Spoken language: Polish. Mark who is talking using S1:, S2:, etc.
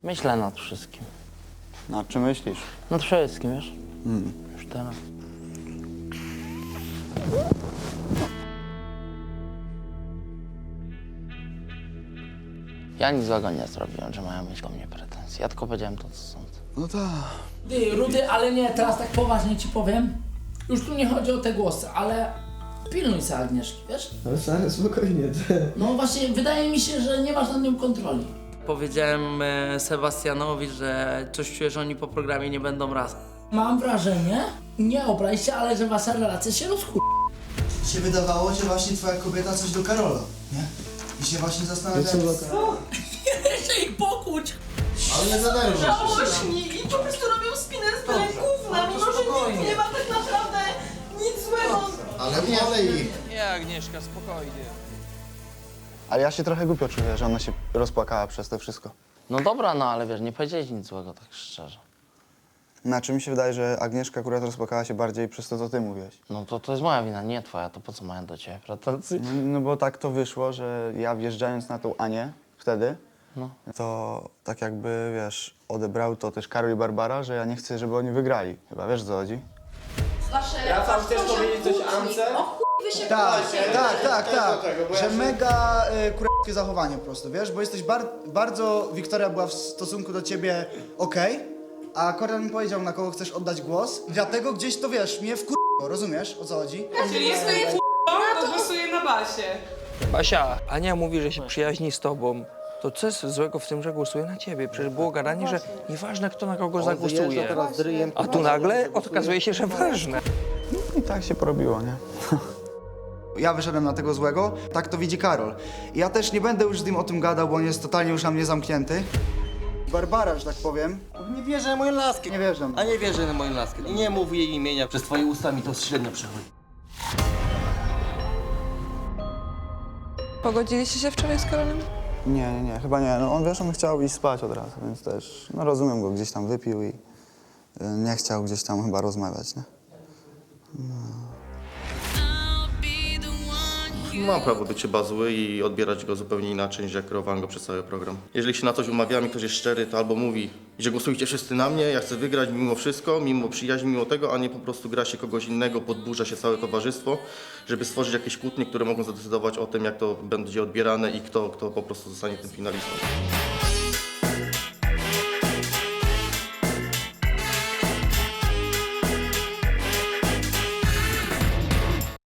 S1: Myślę nad wszystkim.
S2: Nad czym myślisz?
S1: Nad wszystkim, wiesz? Już teraz. Ja nic złego nie zrobiłem, że mają mieć do mnie pretensje. Ja tylko powiedziałem to, co sądzę.
S2: No tak.
S3: Ty, Rudy, ale nie, teraz tak poważnie ci powiem. Już tu nie chodzi o te głosy, ale pilnuj się Agnieszki, wiesz?
S4: Ale stary, spokojnie.
S3: No właśnie, wydaje mi się, że nie masz nad nią kontroli.
S5: Powiedziałem Sebastianowi, że coś czuję, że oni po programie nie będą razem.
S3: Mam wrażenie, nie obraź się, ale że wasza relacja się rozchu...
S6: Się wydawało, że właśnie twoja kobieta coś do Karola, nie? I się właśnie zastanawiałem.
S3: Jeszcze ich pokłóć!
S6: Ale nie zadarmo.
S7: Żałośni i po prostu robią spinę z byle gówna, mimo że nic nie ma tak naprawdę nic złego.
S6: Ale wolę ich.
S8: Nie, Agnieszka, spokojnie.
S2: Ale ja się trochę głupio czuję, że ona się rozpłakała przez to wszystko.
S1: No dobra, no ale wiesz, nie powiedziałeś nic złego, tak szczerze.
S2: Znaczy mi się wydaje, że Agnieszka akurat rozpłakała się bardziej przez to, co ty mówiłeś.
S1: No to jest moja wina, nie twoja, to po co mają do ciebie pretensje?
S2: No bo tak to wyszło, że ja wjeżdżając na tą Anię wtedy,
S1: No.
S2: to tak jakby, wiesz, odebrał to też Karol i Barbara, że ja nie chcę, żeby oni wygrali. Chyba wiesz, o co chodzi?
S4: Rafał, chcesz powiedzieć coś Ance?
S6: Tak. Że mega kurewskie zachowanie po prostu, wiesz? Bo jesteś bardzo... Wiktoria była w stosunku do ciebie okej, a Kornel mi powiedział, na kogo chcesz oddać głos. Dlatego gdzieś to, wiesz, mnie wkurzyło, rozumiesz, o co chodzi?
S7: Czyli jest to głosuje na basie.
S8: Basia, Ania mówi, że się przyjaźni z tobą. To co jest złego w tym, że głosuje na ciebie? Przecież było gadanie, że nieważne kto na kogo zagłosuje. A tu nagle okazuje się, że ważne.
S2: I tak się porobiło, nie?
S6: Ja wyszedłem na tego złego, tak to widzi Karol. I ja też nie będę już z nim o tym gadał, bo on jest totalnie już na mnie zamknięty. Barbara, że tak powiem.
S9: Nie wierzę na moją laskę.
S6: Nie wierzę.
S9: A nie wierzę na moją laskę. Nie mów jej imienia. Przez twoje usta mi to średnio przechodzi.
S7: Pogodziliście się wczoraj z Karolem?
S2: Nie, chyba nie. No on, wiesz, on chciał iść spać od razu, więc też, no rozumiem go, gdzieś tam wypił i nie chciał gdzieś tam chyba rozmawiać, nie?
S10: Mam prawo być chyba zły i odbierać go zupełnie inaczej niż jak kierowałem go przez cały program. Jeżeli się na coś umawiamy, ktoś jest szczery, to albo mówi, że głosujcie wszyscy na mnie, ja chcę wygrać mimo wszystko, mimo przyjaźni, mimo tego, a nie po prostu gra się kogoś innego, podburza się całe towarzystwo, żeby stworzyć jakieś kłótnie, które mogą zadecydować o tym, jak to będzie odbierane i kto po prostu zostanie tym finalistą.